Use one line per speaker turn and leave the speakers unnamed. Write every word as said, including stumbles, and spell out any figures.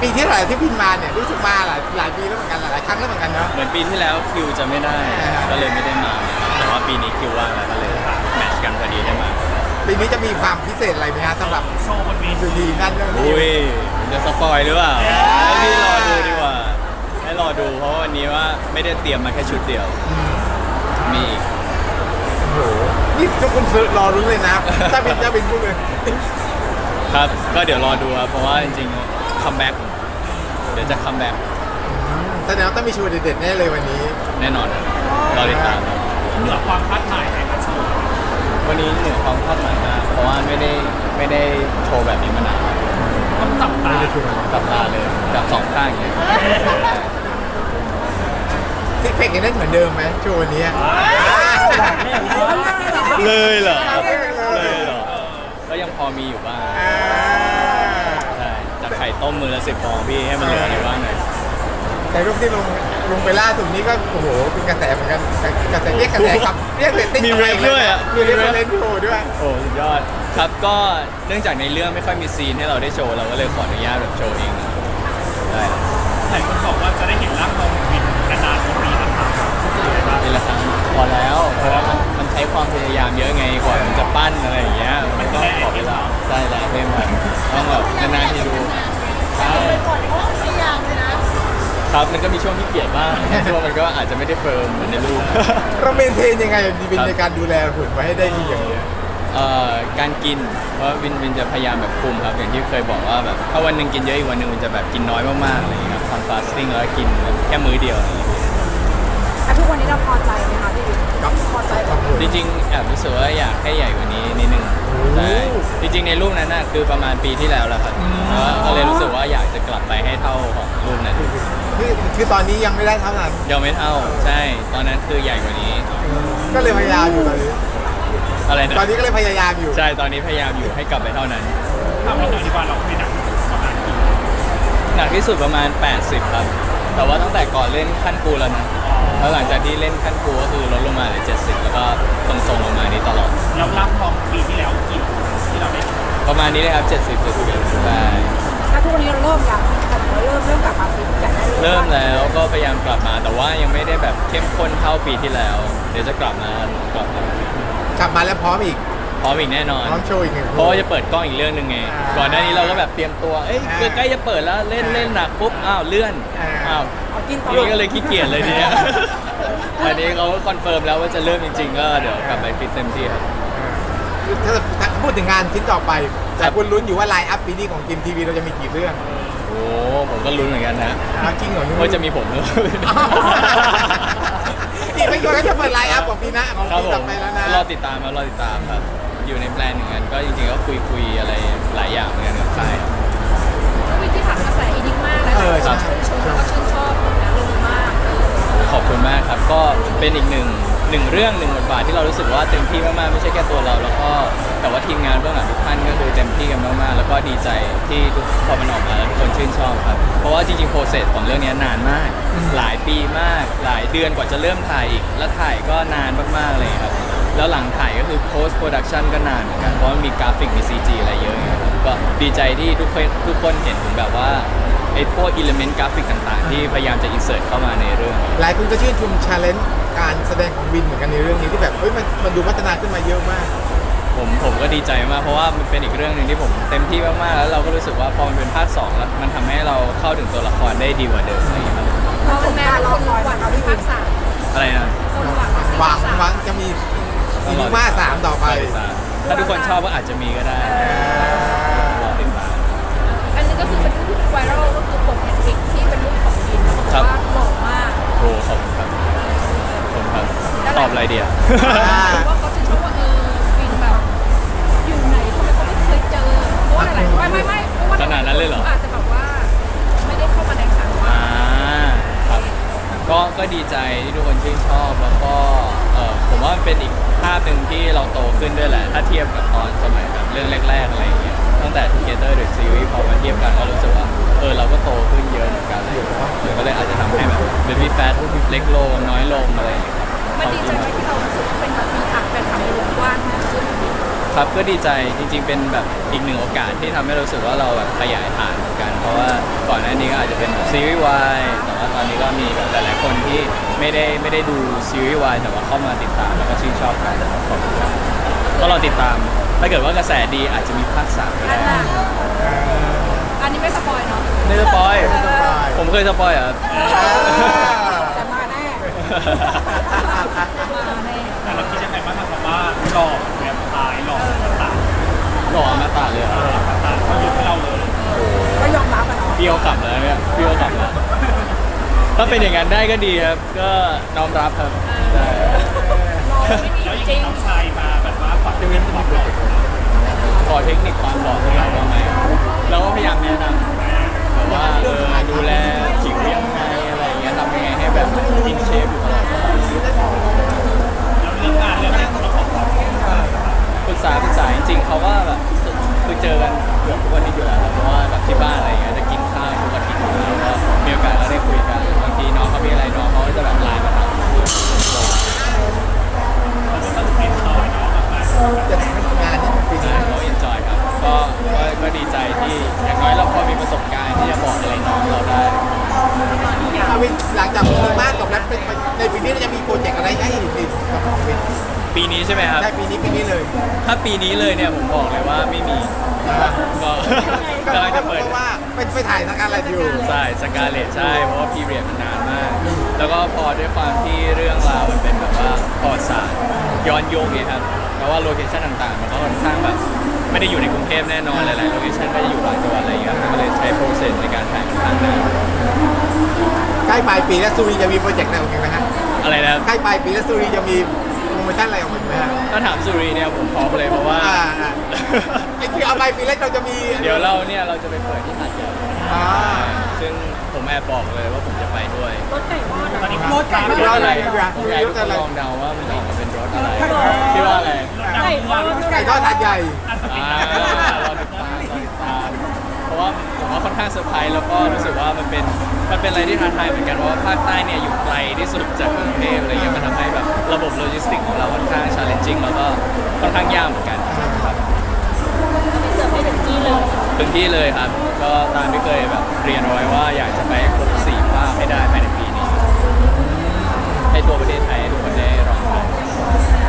ปีที่เท่าไหร่ที่บินมาเนี่ยรู้สึกมาหลายหลายปีแล้วเหมือนกันหลายครั้งแล้วเหมือนกันเนาะ
เหมือนปีที่แล้วคิวจะไม่ได้ก็เลยไม่ได้มาแต่ว่าปีนี้คิวว่างแล้วก็เลยแมทช์กันพอดีได้มา
ปีนี้จะมีความพิเศษอะไรไหมฮะสำหรับ
โชว์บนเวที
ดีนั่นเรื่องนี้
อุ้ยจะสปอยหรือเปล่าให้พี่รอดูดีกว่าให้รอดูเพราะวันนี้ว่าไม่ได้เตรียมมาแค่ชุดเดียวมีอีก
โอ้โหนี่ทุกคนรอรู้เลยนะถ้าบินถ้าบินพูดเลย
ครับก็เดี๋ยวรอดูครับเพราะว่าจริงๆคัมแบ็กเดี๋ยวจะคัมแบ็ก
แสดงว่าต้องมีโชว์เด็ดๆแน่เลยวันนี้
แน่นอนรอติดตาม
เหนือความคาดหมายในการโชว์
วันนี้เหนือความคาดหมายมากเพราะว่าไม่ได้ไม่ได้โชว์แบบนี้มานาน
ต้องจับตา
จับตาเลยจับสองข้างอย่างเงี้ย
ซิกเพกยังได้เหมือนเดิมไหมโชว์วันนี้
เลยเหรอเลยเหรอก็ยังพอมีอยู่บ้างใช่จากไข่ต้มมือละสิบฟองพี่ให้มันเหลืออะไรบ้างหน่อย
แต่รูปที่ลงลงไปล่าสุดนี้ก็โอ้โหเป็นกระแสเหมือนกันกระแสเรียกกระแสครับเรียกเรตติ้ง
มีเรทด้วยอ่ะ
มีเรตติ้งโชว์ด้วย
โอ้สุดยอดครับก็เนื่องจากในเรื่องไม่ค่อยมีซีนให้เราได้โชว์เราก็เลยขออนุญาตแบบโชว์เองได้
หลายคนบอกว่าจะได้เห็นร่างทองบินนานๆปีละครั้ง
ปีละครั้งพอแล้วเพราะว่ามันมันใช้ความพยายามเยอะไงกว่ามันจะปั้นอะไรอย่างเงี้ยมันก็ขอเวลาใช่แล้วเพิ่มมันต้องแบบนานๆที่ดูใช่ครับมันก็มีช่วงที่เกลียดบ้างช่วงมันก็อาจจะไม่ได้เฟิร์มเหมือนในรูป
เราเมนเทนยังไงดีเป็นในการดูแลหุ่นไว้ให้ได้ดีอย่างเงี้ย
เอ่อการกินเพราะวินวินจะพยายามแบบคุมครับอย่างที่เคยบอกว่าแบบถ้าวันหนึ่งกินเยอะอีกวันหนึ่งมันจะแบบกินน้อยมากๆอะไรอย่างเงี้ยครับทำฟาสติ้งแล้วกินแค่มื้อเดียวอะไรอย่างเงี้ย
ทุกวันนี้เราพอใจไหมคะพี่บิ๊กพอใจกับ
จริงๆแอบรู้สึกว่าอยากให้ใหญ่กว่านี้นิดนึงใช่จริงๆในรูปนั้นน่ะคือประมาณปีที่แล้วแหละครับก็เลยรู้สึกว่าอยากจะกลับไปให้เท่าของรูปนั้น
คือคือตอนนี้ยังไม่ได้เท่านั้น
ยังไม่เท่าใช่ตอนนั้นคือใหญ่กว่านี้
ก็เลยพยายามอยู่ตอนนี้
อะไรนะ
ตอนนี้ก็เลยพยายามอยู่
ใช่ตอนนี้พยายามอยู่ให้กลับไปเท่านั้น
ทำให้หน่อยดีกว่าเราไม่หนักประมาณกี่
หนักที่สุดประมาณแปดสิบครับแต่ว่าตั้งแต่ก่อนเล่นขั้นกูแล้วนะแล้วหลังจากที่เล่นขั้นกูก็คือลดลงมาเหลือเจ็ดสิบแล้วก็ทรงๆลงมานี้ตลอด
แล้วร่างทองปีที่แล้วกี่ที่เราได้
ประมาณนี้เลยครับเจ็ดสิบเจ็ดสิบใช่
ถ้าทุกวันนี้เราเริ่มยังเริ่มเริ่มกลับมาฟิตอยากได้
เริ่มแล้วก็พยายามกลับมาแต่ว่ายังไม่ได้แบบเข้มข้นเท่าปีที่แล้วเดี๋ยวจะกลับมากลับม
ากลับมาแล้วพร้อมอีก
พร้อมอีกแน่นอน
พร้อมโชว์อีกหนึ่ง
เพราะว่าจะเปิดกล้องอีกเรื่องหนึ่งไงก่อนหน้านี้เราก็แบบเตรียมตัวเอ้ยใกล้จะเปิดแล้วเล่นเล่นหนักปุ๊บอ้าวเลื่อนอ้าว
กินต่
อก็เลยขี้เกียจเลยทีเนี้ยอันนี้เขาคอนเฟิร์มแล้วว่าจะเริ่มจริงๆก็เดี๋ยวกลับไปฟิตเต็มที่ครับ
ถ้าพูดถึงงานชิ้นต่อไปแต่คุณลุ้นอยู่ว่าไลน์อัพปีนี้ของจิมทีวีเราจะมีกี่เรื่อง
โอ้ผมก็ลุ้นเหมือนกันนะ
จริงเหรอ
ว่าจะมีผมด้วย
นี่ไม่คิดว่าจะเปิดไลน์อัพของปีหน้าของปีต่อไปแล้วนะ
รอติดตามครับรอติดตามครับอยู่ในแปลนหนึ่งกันก็จริงๆก็คุยคุยอะไรหลายอย่างเหมือนกันกับค่าย
วิธีผ่านกระแสอีดิกมากแล้วก็ชื่นชมแล้วก็ชื่นชอบนะลงมาก
ขอบคุณมากครับก็เป็นอีกหนึ่งหนึ่งเรื่องหนึ่งบทบาทที่เรารู้สึกว่าเต็มที่มากๆไม่ใช่แค่ตัวเราแล้วก็แต่ว่าทีมงานเบื้องหลังทุกท่านก็คือเต็มที่กันมากๆแล้วก็ดีใจที่ทุกพอมันออกมาแล้วทุกคนชื่นชอบครับเพราะว่าจริงๆโปรเซสของเรื่องนี้นานมากหลายปีมากหลายเดือนกว่าจะเริ่มถ่ายอีกแล้วถ่ายก็นานมากๆเลยครับแล้วหลังถ่ายก็คือ post production ก็นานเหมือนกันเพราะมันมีกราฟิกมี ซี จี อะไรเยอะครับก็ดีใจที่ทุกคนทุกคนเห็นถึงแบบว่าไอ้พวกอิเลเมนต์กราฟิกต่างๆที่พยายามจะอินเสิร์ตเข้ามาในเรื่อง
หลายคนก็ชื่นชม challenge การแสดงของวินเหมือนกันในเรื่องนี้ที่แบบเฮ้ยมันมันดูพัฒนาขึ้นมาเยอะมาก
ผมผมก็ดีใจมากเพราะว่ามันเป็นอีกเรื่องหนึ่งที่ผมเต็มที่มากๆแล้วเราก็รู้สึกว่าพอมันเป็นภาคสองแล้วมันทำให้เราเข้าถึงตัวละครได้ดีกว่าเดิมอะไรอย่างเงี้ยครับ
เราเป็นแม่เราคอยเราที่ภาคสาม
อะไรนะ
หวังหวังจะมีอีนิม่าสามต่อไป
ถ้าทุกคนชอบก็อาจจะมีก็ได้รอติดตาม
อันนี้ก็คือเป็นรูปไวรัลก็คือปกเน็ตฟลิกที่เป็นรูปของวินเขาบอกว่าหล่อมาก
โอ้ขอบคุณครับขอบคุณครับตอบอะไรเดียว
ว่าเขาจะชอบว่าเออวินแบบอยู่ไหนทำไมเขาไม่เคยเจอเพราะว่าอะไรไม่ไม่ไม่เพราะว่า
ขนาดนั้นเลยเหรอ
อาจจะแบบว่าไม่ได้เข้ามาในสังคม
อ่าครับก็ก็ดีใจที่ทุกคนชื่นชอบแล้วก็เออผมว่ามันเป็นอีกภาพหนึ่งที่เราโตขึ้นด้วยแหละถ้าเทียบกับตอนสมัยแบบเรื่องแรกๆอะไรอย่างเงี้ยตั้งแต่ Together the Series พอมาเทียบกันก็รู้สึกว่าเออเราก็โตขึ้นเยอะเหมือนกันเลยก็เลยอาจจะทำให้แบบ Baby Fat เล็กลงน้อยลงอะไรอย่างเงี้ย
มันดีใจไหมที่เรารู้สึกว่าเป็นแบบมีฐานแฟนคลับในวงกว้างมากขึ้น
ครับก็ดีใจจริงๆเป็นแบบอีกหนึ่งโอกาสที่ทำให้เรารู้สึกว่าเราแบบขยายฐานเหมือนกันเพราะว่าก่อนหน้านี้ก็อาจจะเป็นซีรีส์วายแต่ว่าตอนนี้ก็มีแบบหลายๆคนที่ไม่ได้ไม่ได้ดูซีรีส์วายแต่ว่าเข้ามาติดตามแล้วก็ชื่นชอบกันขอบคุณครับก็รอติดตามถ้าเกิดว่ากระแสดีอาจจะมีภาคสามก็
อัน
ได้
น่ะอันนี้ไม่สปอยเนาะ
ไม่สปอย
ไม่สปอย
ผมเคยสปอยเหรอ่ะ
แต่มาแน่มาแน่
แต่เราคิดยังไงบ้างครับว่าหลอกแบบตายหลอกต่าง
หล่อมาตาเลยเหรอ
ต่างเขายกให้เราเลย
ก็ยอมรับอะเนาะ
พี่เขาขับแล้วเนี่ยพี่เขาขับแล้วถ้าเป็นอย่างนั้นได้ก็ดีครับก็น้อมรับครับใช่
รอไม่มี
แล้วยัง
จริ
มี
ง
น้องชายมาแบบว่าฝักเรื่องความหลอก
ขอเทคนิคความหล่อของเราบ้างไหมเราก็พยายามแนะนำแบบว่าเออดูแลผิวยังไงอะไรอย่างเงี้ยทำยังไงให้แบบอินเชฟอยู่ตลอด
แล้วเรื่องงานเรื่องนี้เราขอความ
ปรึกษาปรึกษาจริงๆเขาก็แบบคือเจอกันเกือบทุกวันนี้อยู่แล้วครับเพราะว่าแบบที่บ้านอะไรอย่างเงี้ยจะกินข้าวทุกอาทิตย์อยู่แล้วก็มีโอกาสก็ได้คุยกันบางทีน้องเขามีอะไรน้องเขาก็จะแบบไลน์มาถาม
สนุกเอ็นจอยเนาะแบบว่า
จะทำงานที่ปี
ใช่
นี้
เขาเอนจอยครับก็ก็ก็ดีใจที่อย่างน้อยเราพอมีประสบการณ์ที่จะบอกอะไรน้องเราได้
อาวินหลังจากมีมากกับนั้นเป็นในปีนี้เราจะมีโปรเจกต์อะไรให้อีกกับอาวิน
ปีนี้ใช่ไหมครับ
ได้ปีนี้ปีนี้เลย
ถ้าปีนี้เลยเนี่ยผมบอกเลยว่าไม่มีก็ กำลังจะเปิด
เพราะว่าเป็นไปถ่ายทางการอะไรอยู่
ใช่สกาเลตใช่เพราะว่าพีเรียดมันนานมาก แล้วก็พอด้วยความที่เรื่องราวมันเป็นแบบว่าประวัติศาสตร์ย้อนยุคเนี่ยครับเพราะว่าโลเคชั่นต่างๆมันก็ค่อนข้างแบบไม่ได้อยู่ในกรุงเทพแน่นอนหลายๆโลเคชั่นก็จะอยู่ต่างจังหวัดอะไรอย่างเงี้ยครับก็เลยใช้โปรเซสในการถ่ายค่อนข้างนาน
ใกล้ปลายปีแล้วซูรีจะมีโปรเจกต์อะไรออกมาไหมฮะ
อะไรนะครับ
ใกล้ปลายปีแล้วซูรีจะมีโปรโมชั่นอะไรออกมาไหมฮะ
ถ้าถามสุรีเนี่ยผมพร้อมเลยเพราะว่า
อ่าอ่าไอ้ที่เอาปลายปีแล้วเราจะมี
เดี๋ยวเราเนี่ยเราจะไปเปิดที่หาดใหญ่
อ่า
ซึ่งผมแอบบอกเลยว่าผมจะไปด้วย
รถไก่ทอด
ตอนนี้
รถไก่
รถอะไร
รถอะไร
อยากให้ทุกคนลองเดาว่ามันจะออกมาเป็นรถอะไรคิดว่าอะไร
ไก่ทอด
ไก่ทอดถาดใหญ่
อ่ารอติดตามรอติดตาม เพราะว่าผมว่าค่อนข้างเซอร์ไพรส์แล้วก็รู้สึกว่ามันเป็นมันเป็นอะไรที่ท้าทายเหมือนกันเพราะว่าภาคใต้เนี่ยอยู่ไกลที่สุดจากกรุงเทพอะไรเงี้ยมันทำให้แบบระบบโลจิสติกของเราค่อนข้างชาเลนจิ้งแล้วก็ค่อนข้างยากเหมือนกันครับ
เสิร์ฟให้ถึงที่เลย
ถึงที่เลยครับ ก็ตามที่เคยแบบเรียนเอาไว้ว่าอยากจะไปครบสี่ภาคให้ได้ภายในปีนี้ ให้ตัวประเทศไทยให้ทุกคนได้ลองทำ